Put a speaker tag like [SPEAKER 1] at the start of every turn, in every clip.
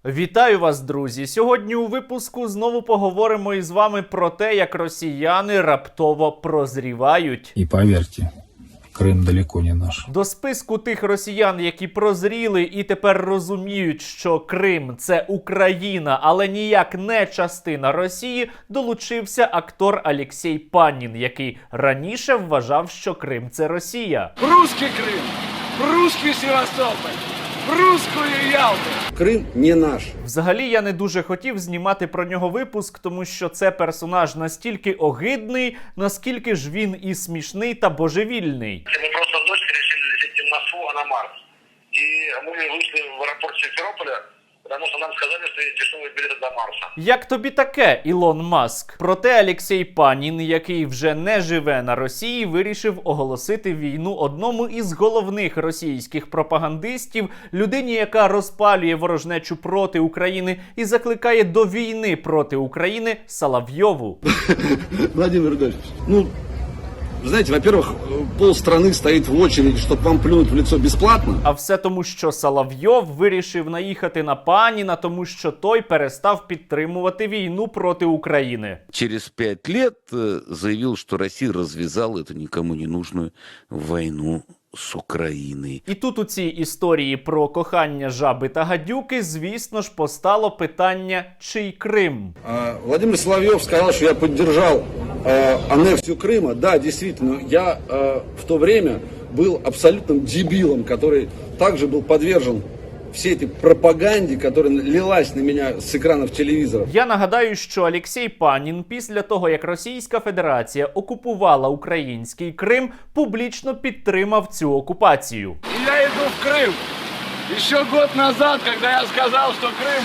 [SPEAKER 1] Вітаю вас, друзі! Сьогодні у випуску знову поговоримо із вами про те, як росіяни раптово прозрівають.
[SPEAKER 2] І повірте, Крим далеко не наш.
[SPEAKER 1] До списку тих росіян, які прозріли і тепер розуміють, що Крим – це Україна, але ніяк не частина Росії, долучився актор Алексей Панін, який раніше вважав, що Крим – це Росія.
[SPEAKER 3] Русский Крым, русский Севастополь, русскую Ялту.
[SPEAKER 4] Крим не наш.
[SPEAKER 1] Взагалі, я не дуже хотів знімати про нього випуск, тому що це персонаж настільки огидний, наскільки ж він і смішний та божевільний.
[SPEAKER 5] Мы просто с дочкой решили лететь на ФУ, а на Марс. И мы вышли в аэропорт Симферополя, потому что нам сказали, что есть дешевые билеты до Марса.
[SPEAKER 1] Як тобі таке, Ілон Маск? Проте Алексей Панін, який вже не живе на Росії, вирішив оголосити війну одному із головних російських пропагандистів, людині, яка розпалює ворожнечу проти України і закликає до війни проти України, Соловйову.
[SPEAKER 4] Владимир Рудольфович, знаете, во-первых, полстраны стоит в очереди, чтобы вам плюнуть в лицо бесплатно.
[SPEAKER 1] А все тому, що Соловйов вирішив наїхати на Паніна, тому що той перестав підтримувати війну проти України.
[SPEAKER 6] Через 5 лет заявил, что Россия развязала эту никому не нужную войну с Украиной.
[SPEAKER 1] І тут у цій історії про кохання жаби та гадюки, звісно ж, постало питання, чий Крим?
[SPEAKER 4] Владимир Соловьев сказал, что я поддержал аннексию Крыма. Да, действительно, я в то время был абсолютным дебилом, который также был подвержен всей этой пропаганде, которая лилась на меня с экранов телевизоров.
[SPEAKER 1] Я нагадаю, що Алексей Панін після того, як Російська Федерація окупувала український Крим, публічно підтримав цю окупацію.
[SPEAKER 3] И я иду в Крым. Еще год назад, когда я сказал, что Крым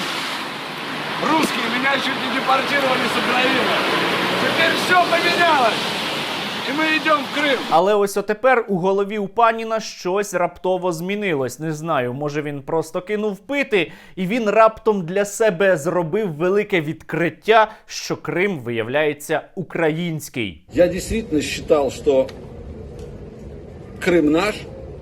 [SPEAKER 3] русский, меня чуть не депортировали с Украины. Теперь все поменялось. І ми йдемо в Крим.
[SPEAKER 1] Але ось отепер у голові у Паніна щось раптово змінилось. Не знаю, може він просто кинув пити, і він раптом для себе зробив велике відкриття, що Крим, виявляється, український.
[SPEAKER 4] Я действительно считал, что Крым наш.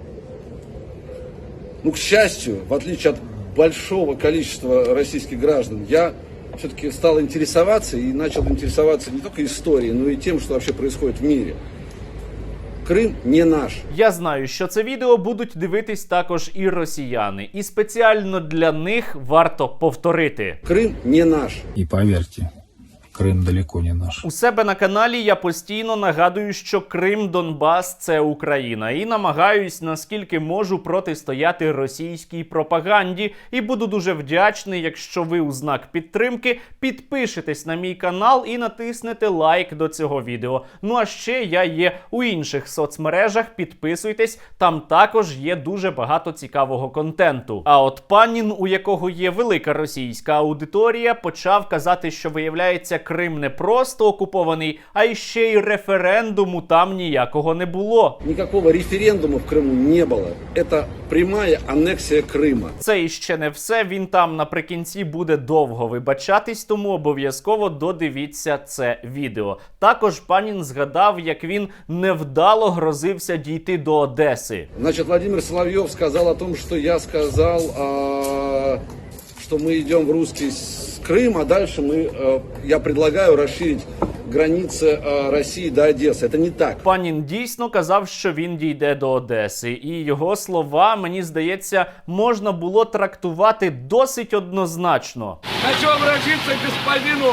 [SPEAKER 4] К счастью, в отличие от большого количества российских граждан, я все-таки стал интересоваться и начал интересоваться не только историей, но и тем, что вообще происходит в мире. Крим не наш.
[SPEAKER 1] Я знаю, що це відео будуть дивитись також і росіяни. І спеціально для них варто повторити.
[SPEAKER 4] Крим не наш.
[SPEAKER 2] І повірте, Крим далеко не наш.
[SPEAKER 1] У себе на каналі я постійно нагадую, що Крим, Донбас – це Україна. І намагаюсь, наскільки можу, протистояти російській пропаганді. І буду дуже вдячний, якщо ви у знак підтримки підпишетесь на мій канал і натиснете лайк до цього відео. Ну а ще я є у інших соцмережах, підписуйтесь, там також є дуже багато цікавого контенту. А от Панін, у якого є велика російська аудиторія, почав казати, що виявляється, Крим не просто окупований, а й ще й референдуму там ніякого не було.
[SPEAKER 4] Никакого референдума в Крыму не было. Это прямая аннексия Крыма.
[SPEAKER 1] Це іще не все, він там наприкінці буде довго вибачатись, тому обов'язково додивіться це відео. Також Панін згадав, як він невдало грозився дійти до Одеси.
[SPEAKER 4] Значит, Владимир Соловьев сказал о том, что я сказал, что мы идем в русский Крым, а дальше я предлагаю расширить границы России до Одессы. Это не так.
[SPEAKER 1] Панін дійсно казав, що він дійде до Одеси. І його слова, мені здається, можна було трактувати досить однозначно.
[SPEAKER 3] Хочу обратиться к господину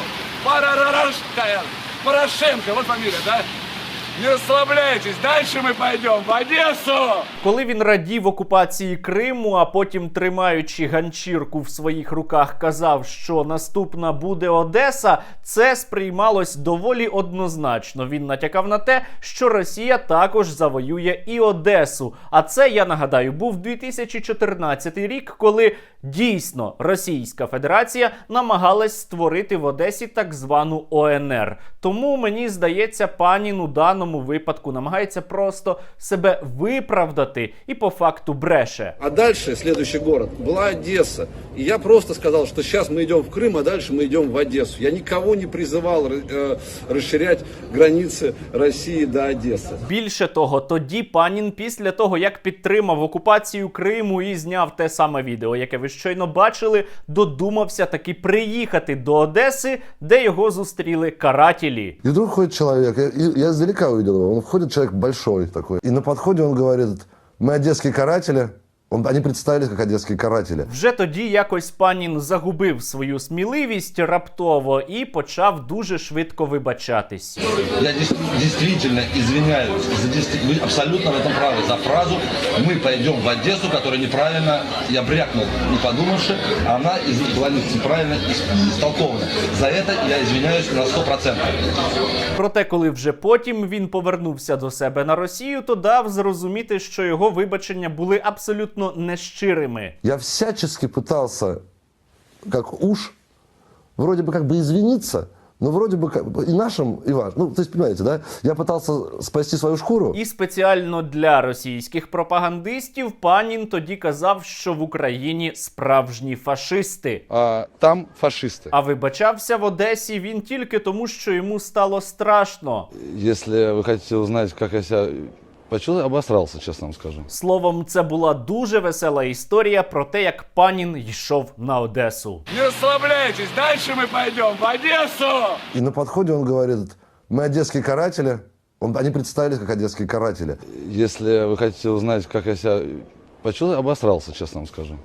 [SPEAKER 3] Порошенко, вот фамилия, да? Не расслабляйтесь, дальше мы пойдем в Одессу!
[SPEAKER 1] Коли він радів окупації Криму, а потім, тримаючи ганчірку в своїх руках, казав, що наступна буде Одеса, це сприймалось доволі однозначно. Він натякав на те, що Росія також завоює і Одесу. А це, я нагадаю, був 2014 рік, коли дійсно Російська Федерація намагалась створити в Одесі так звану ОНР. Тому, мені здається, Панін у даному даному випадку намагається просто себе виправдати і по факту бреше.
[SPEAKER 4] А дальше, следующий город, была Одесса. И я просто сказал, что сейчас мы идем в Крым, а дальше мы идем в Одессу. Я никого не призывал расширять границы России до Одессы.
[SPEAKER 1] Більше того, тоді Панін після того, як підтримав окупацію Криму і зняв те саме відео, яке ви щойно бачили, додумався таки приїхати до Одеси, де його зустріли карателі.
[SPEAKER 7] И вдруг ходит человек, я издалека увидел его, он входит, человек большой такой. И на подходе он говорит: мы одесские каратели. Они представились как одесские каратели.
[SPEAKER 1] Вже тоді якось Панін загубив свою сміливість раптово і почав дуже швидко вибачатись.
[SPEAKER 8] Я действительно извиняюсь. Вы абсолютно в этом правы. За фразу «мы пойдем в Одессу», которая неправильно, я брякнул, не подумавши, а она была неправильно истолкована. За это я извиняюсь на 100%.
[SPEAKER 1] Проте, коли вже потім він повернувся до себе на Росію, то дав зрозуміти, що його вибачення були абсолютно нещирими.
[SPEAKER 7] Я всячески пытался, как уж, вроде бы как бы извиниться, но вроде бы и нашим, и вашим. Ну, то есть, понимаете, да? Я пытался спасти свою шкуру.
[SPEAKER 1] І спеціально для російських пропагандистів Панін тоді казав, що в Україні справжні фашисти.
[SPEAKER 3] Там фашисты.
[SPEAKER 1] А вибачався в Одесі він тільки тому, що йому стало страшно.
[SPEAKER 3] Если вы хотите узнать, как я себя почувствовал, обосрался, честно вам скажу.
[SPEAKER 1] Словом, це була дуже весела історія про те, як Панін йшов на Одесу.
[SPEAKER 3] Не расслабляйтесь, дальше мы пойдем в Одессу!
[SPEAKER 7] И на подходе он говорит: мы одесские каратели. Они представились как одесские каратели.
[SPEAKER 3] Если вы хотите узнать, как я себя почувствовал, обосрался, честно вам скажу.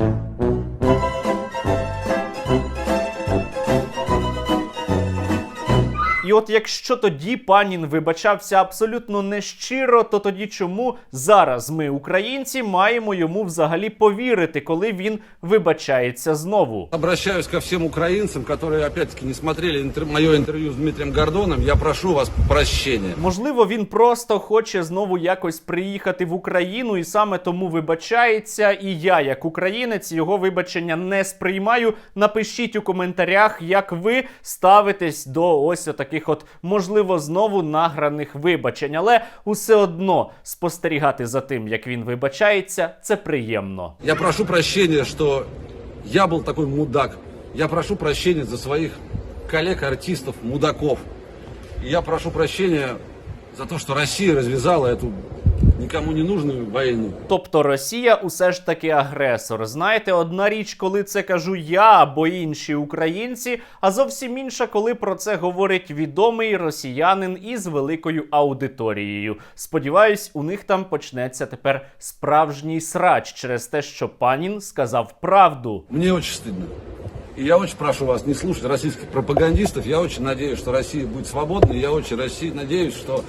[SPEAKER 1] І от якщо тоді Панін вибачався абсолютно нещиро, то тоді чому зараз ми, українці, маємо йому взагалі повірити, коли він вибачається знову?
[SPEAKER 4] Обращаюсь ко всем украинцам, которые, опять-таки, не смотрели мое интервью с Дмитрием Гордоном. Я прошу вас прощения.
[SPEAKER 1] Можливо, він просто хоче знову якось приїхати в Україну і саме тому вибачається. І я, як українець, його вибачення не сприймаю. Напишіть у коментарях, як ви ставитесь до ось таких от, можливо, знову награних вибачень. Але усе одно спостерігати за тим, як він вибачається, це приємно.
[SPEAKER 4] Я прошу прощения, что я был такой мудак. Я прошу прощения за своих коллег-артистов, мудаков. И я прошу прощения за то, что Россия развязала эту нікому не нужну війну.
[SPEAKER 1] Тобто Росія усе ж таки агресор. Знаєте, одна річ, коли це кажу я або інші українці, а зовсім інша, коли про це говорить відомий росіянин із великою аудиторією. Сподіваюсь, у них там почнеться тепер справжній срач через те, що Панін сказав правду.
[SPEAKER 4] Мне очень стыдно. И я очень прошу вас не слушать российских пропагандистов. Я очень надеюсь, что Россия будет свободной. Я очень надеюсь, что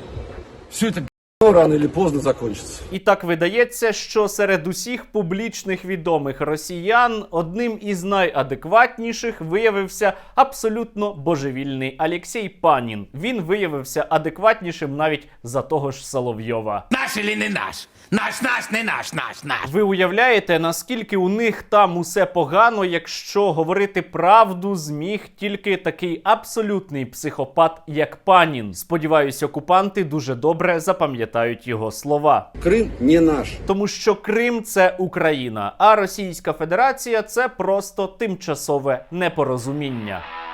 [SPEAKER 4] все это рано или поздно закончиться.
[SPEAKER 1] І так видається, що серед усіх публічних відомих росіян одним із найадекватніших виявився абсолютно божевільний Олексій Панін. Він виявився адекватнішим навіть за того ж Соловйова.
[SPEAKER 9] Наш или не наш? Наш, не наш.
[SPEAKER 1] Ви уявляєте, наскільки у них там усе погано, якщо говорити правду зміг тільки такий абсолютний психопат, як Панін. Сподіваюсь, окупанти дуже добре запам'ятають його слова.
[SPEAKER 4] Крим не наш.
[SPEAKER 1] Тому що Крим – це Україна, а Російська Федерація – це просто тимчасове непорозуміння.